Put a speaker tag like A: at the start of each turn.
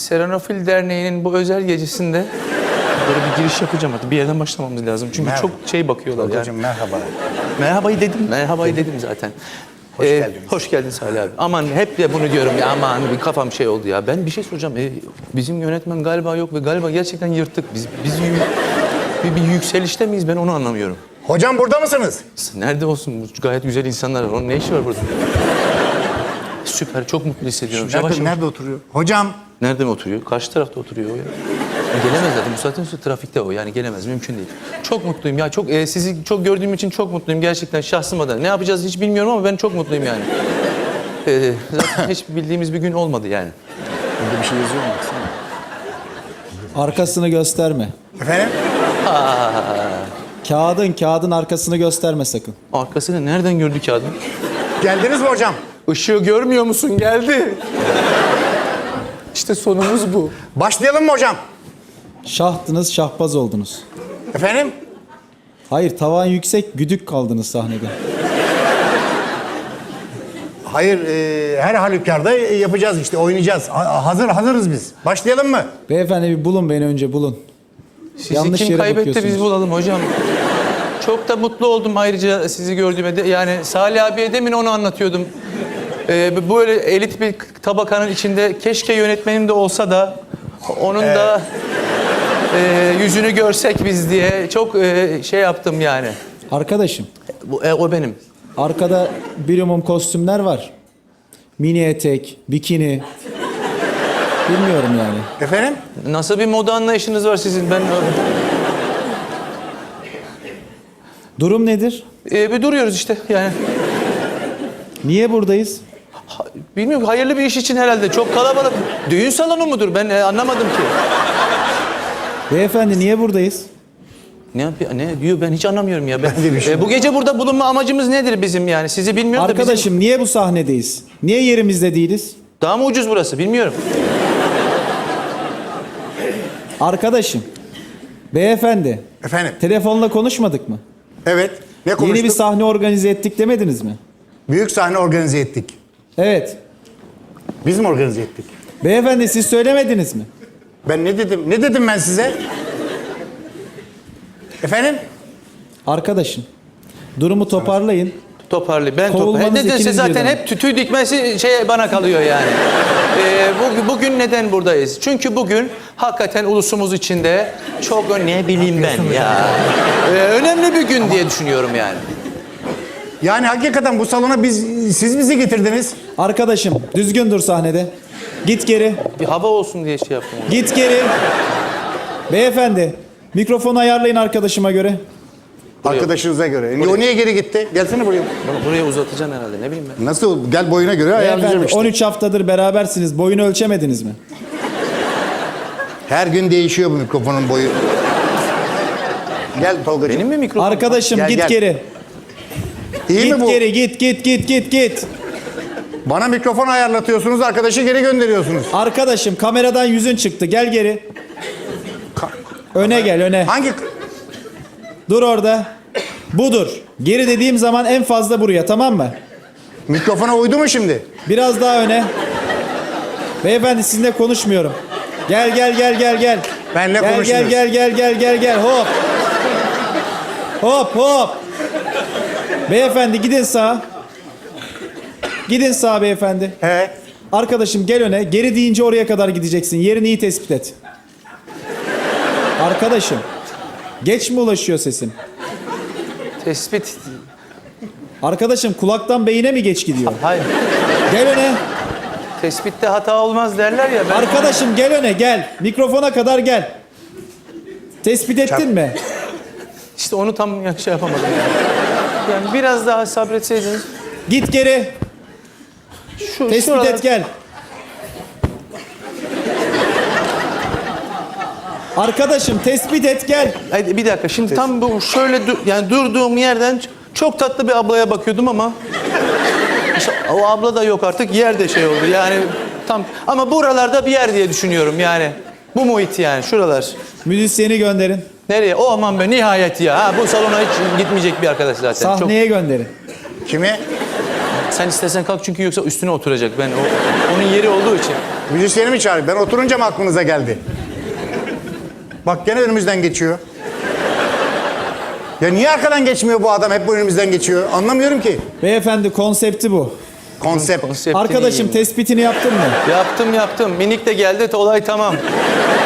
A: Serenofil Derneği'nin bu özel gecesinde böyle bir giriş yapacağım artık. Bir yerden başlamamız lazım. Çünkü
B: Merhaba.
A: çok şey bakıyorlar
B: Hocam
A: yani.
B: merhaba.
A: Merhabayı dedim zaten.
B: Hoş geldiniz.
A: Hoş geldin Salih abi. Aman hep de bunu diyorum ya, aman bir kafam şey oldu ya. Ben bir şey soracağım. Bizim yönetmen galiba yok ve galiba gerçekten yırttık. Biz bir yükselişte miyiz, ben onu anlamıyorum.
B: Hocam burada mısınız?
A: Nerede olsun, bu gayet güzel insanlar var. Onun ne işi var burada? Süper, çok mutlu hissediyorum.
B: Nerede oturuyor? Hocam.
A: Nerede mi oturuyor? Karşı tarafta oturuyor o ya. Gelemez zaten. Bu saatten sonra trafikte o. Yani gelemez. Mümkün değil. Çok mutluyum ya. Sizi çok gördüğüm için çok mutluyum. Gerçekten şahsım adına. Ne yapacağız hiç bilmiyorum ama ben çok mutluyum yani. Zaten hiç bildiğimiz bir gün olmadı yani.
B: Burada bir şey yazıyor mu? Baksana.
C: Arkasını gösterme.
B: Efendim?
C: Kağıdın arkasını gösterme sakın.
A: Arkasını nereden gördü ki adam?
B: Geldiniz mi hocam?
A: Işığı görmüyor musun? Geldi. İşte sonumuz bu.
B: Başlayalım mı hocam?
C: Şahtınız, şahbaz oldunuz.
B: Efendim?
C: Hayır, tavan yüksek, güdük kaldınız sahnede.
B: Hayır, her halükarda yapacağız işte, oynayacağız. Hazırız biz. Başlayalım mı?
C: Beyefendi bir bulun beni önce, bulun.
A: Sizi
C: Yanlış
A: kim
C: yere
A: kaybetti
C: bakıyorsunuz.
A: biz bulalım hocam. Çok da mutlu oldum ayrıca sizi gördüğüme. Yani Salih abiye demin onu anlatıyordum. Böyle elit bir tabakanın içinde keşke yönetmenim de olsa da onun da yüzünü görsek biz diye çok şey yaptım yani.
C: Arkadaşım,
A: O benim.
C: arkada birimum kostümler var. Mini etek, bikini. Bilmiyorum yani.
B: Efendim?
A: Nasıl bir moda anlayışınız var sizin? Ben
C: Durum nedir?
A: bir duruyoruz işte yani.
C: Niye buradayız?
A: Bilmiyorum, hayırlı bir iş için herhalde. Çok kalabalık. Düğün salonu mudur? Ben anlamadım ki.
C: Beyefendi niye buradayız?
A: Ne diyor, ben hiç anlamıyorum ya.
B: Ben de bir şey
A: Bu gece burada bulunma amacımız nedir bizim yani? Sizi bilmiyorum da
C: Arkadaşım niye bu sahnedeyiz? Niye yerimizde değiliz?
A: daha mı ucuz burası bilmiyorum.
C: Arkadaşım, beyefendi,
B: Efendim?
C: telefonla konuşmadık mı?
B: Evet. Ne konuştuk?
C: Yeni bir sahne organize ettik demediniz mi?
B: Büyük sahne organize ettik.
C: Evet.
B: Biz mi organize ettik?
C: Beyefendi siz söylemediniz mi?
B: Ben ne dedim? Ne dedim ben size? Efendim?
C: Arkadaşım, durumu toparlayın.
A: Toparlı. Ben
C: Kovulmanız
A: Nedense
C: ikiniz
A: zaten
C: birden.
A: hep tüy dikmesi bana kalıyor yani. Bugün neden buradayız? Çünkü bugün hakikaten ulusumuz içinde çok ne bileyim ben ya. Önemli bir gün diye düşünüyorum yani.
B: Yani hakikaten bu salona siz bizi getirdiniz.
C: Arkadaşım, düzgün dur sahnede. Git geri,
A: Bir hava olsun diye şey yaptım.
C: git geri. Beyefendi, mikrofonu ayarlayın arkadaşıma göre.
B: Arkadaşınıza göre. O niye geri gitti? Gelsene buraya.
A: Buraya uzatacaksın herhalde, ne bileyim ben.
B: Nasıl? Gel boyuna göre ayarlayacağım
C: Beyefendi,
B: işte.
C: 13 haftadır berabersiniz. Boyunu ölçemediniz mi?
B: Her gün değişiyor bu mikrofonun boyu. Gel Tolgacığım.
A: Benim mi mikrofon?
C: Arkadaşım
B: Gel,
C: git
B: gel.
C: geri.
B: İyi mi
C: Git
B: bu?
C: geri, git.
B: Bana mikrofon ayarlatıyorsunuz, arkadaşı geri gönderiyorsunuz.
C: Arkadaşım kameradan yüzün çıktı. Gel geri. Öne gel, öne.
B: Hangi...
C: Dur orada. Budur. Geri dediğim zaman en fazla buraya, tamam mı?
B: Mikrofona uydu mu şimdi?
C: Biraz daha öne. Beyefendi sizinle konuşmuyorum. Gel.
B: Benle
C: Gel
B: konuşmuyoruz.
C: gel. Hop. Beyefendi gidin sağa. Gidin sağa beyefendi.
B: He.
C: Arkadaşım gel öne. Geri deyince oraya kadar gideceksin. Yerini iyi tespit et. Arkadaşım. Geç mi ulaşıyor sesim?
A: Tespit.
C: Arkadaşım kulaktan beyine mi geç gidiyor?
A: Hayır.
C: Gel öne.
A: Tespitte hata olmaz derler ya. Ben...
C: Arkadaşım gel öne gel. Mikrofona kadar gel. Tespit ettin mi?
A: İşte onu tam şey yapamadım yani. Yani biraz daha sabretseydiniz.
C: Git geri. Tespit
A: şuralar-
C: et gel. Arkadaşım tespit et gel.
A: Haydi bir dakika. Şimdi tam bu şöyle yani durduğum yerden çok tatlı bir ablaya bakıyordum ama işte o abla da yok artık. Yer de şey oldu. Yani tam ama buralarda bir yer diye düşünüyorum yani. Bu muhit yani şuralar.
C: Müzisyeni gönderin.
A: Nereye? O aman be nihayet ya. Ha, bu salona hiç gitmeyecek bir arkadaş zaten.
C: Sahneye gönderin.
B: Kimi?
A: Sen istersen kalk çünkü yoksa üstüne oturacak. Ben onun yeri olduğu için.
B: Müzisyeni mi çağırayım? Ben oturunca mı aklınıza geldi? Bak gene önümüzden geçiyor. Ya niye arkadan geçmiyor bu adam? Hep bu önümüzden geçiyor. Anlamıyorum ki.
C: Beyefendi konsepti bu.
B: Konsept.
A: Konseptini
C: Arkadaşım
A: yiyeyim.
C: tespitini yaptın mı?
A: Yaptım. Minik de geldi. Olay tamam.